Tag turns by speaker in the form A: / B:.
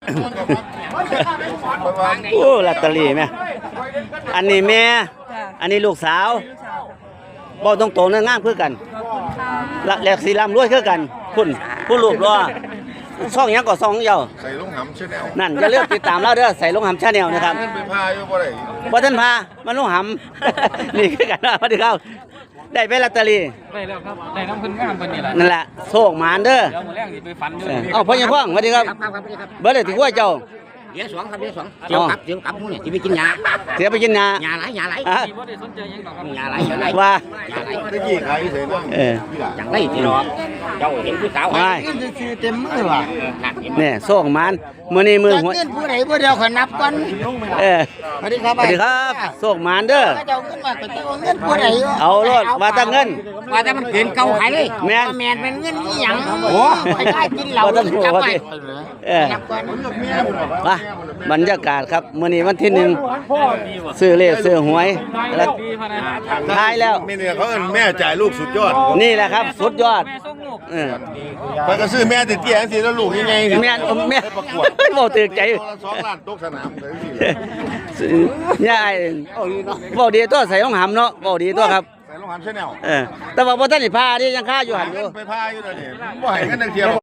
A: โอ้ลอตเตอรี่แม่อันนี้แม่อันนี้ลูกสาวบ่ตรงๆนะงามคือกันละแหลกสีลำรวยคือกันคุณผู้รูปรอช่องยังก็ช่องเดียว
B: ใส่ลงหำชาแนล
A: นั่นอย่าลืมติดตามเราเด้อใส่ลงหำชาแนลนะครับ
B: ไปพาอยู่บ่ได้
A: บ่ทันพามันลงหำ นี่คือกันสวัสดีครับได้ไปลอตเตอรี่
C: ได้แล้วครับได้น้ำพึ่งงามเพิ่นนี่แหละ
A: นั่นแหละโชคหมานเด้อ
C: เดี๋ยวมื้อแรงสิไปฝันอยู่
A: เอาพ่อยังพ่องสวัสดีครับเบิดเลยที่หัวเจ้า
D: เดี๋ยวสองครับเดี๋ยวสองเดี๋ยวกลับพวกนี้ที่ไปกินยา
A: เสียไปกินยา
D: ไหลยาไหล
C: ที่บ่ได้สนใจหยังดอกครับ
D: ยาไหล
A: ว่า
B: ตะกี้ใครใส่บ้าง
D: จังไรที่รอเจ้าเห็นผู้สาว
A: ไม่
D: คือเต็มมือว่ะ
A: เนี่ยโชคหมานมื้อนี้มือหัว
D: เงินผู้ใดผู้เดียวขอนับก่อน สวัสดีครับ
A: สวัสดีครับโชคหมานเด้อ
D: เจ้าเงินมาก็เจ้าเงินผู้ใด
A: เอารถว่าแต่เงิน
D: ว่าแต่มันเกินเก่าขายเลย
A: แม่น
D: แมนเป็นเงินอีหยังโอ้ไปได้กินเหล้า
A: ว่าแต่หัว
D: จับ
A: ว่า
D: ไป
A: แต่
D: นับก่อน
A: ว่าบรรยากาศครับมื้อนี้วันที่หนึ่งซื้อเลขซื้อหวยแล้วท้ายแล้ว
B: แม่เนี่ยเขาเอิ้นแม่จ่ายลูกสุดยอด
A: นี่แหละครับสุดยอด
C: แม่ส่งลูก
B: ไปก็ซื้อแม่ติดเตี้ยจังซี่แล้วลูกยังไง
A: แม่แม่
B: ประกวด
A: บ่ตื่นใจ
B: 2 ล้านตกสนามเลยสิ
A: ยายบ่ดีตัวใส่รองหำเนาะบ่ดีตัวครับ
B: ใส่ลงหำชาแนล
A: แต่ว่าบ่ทันได้พาดิยังค่าอยู่หั่นอยู่
B: ไปพาอยู่เดี๋ยวนี้บ่ให้กันจังเที่ยว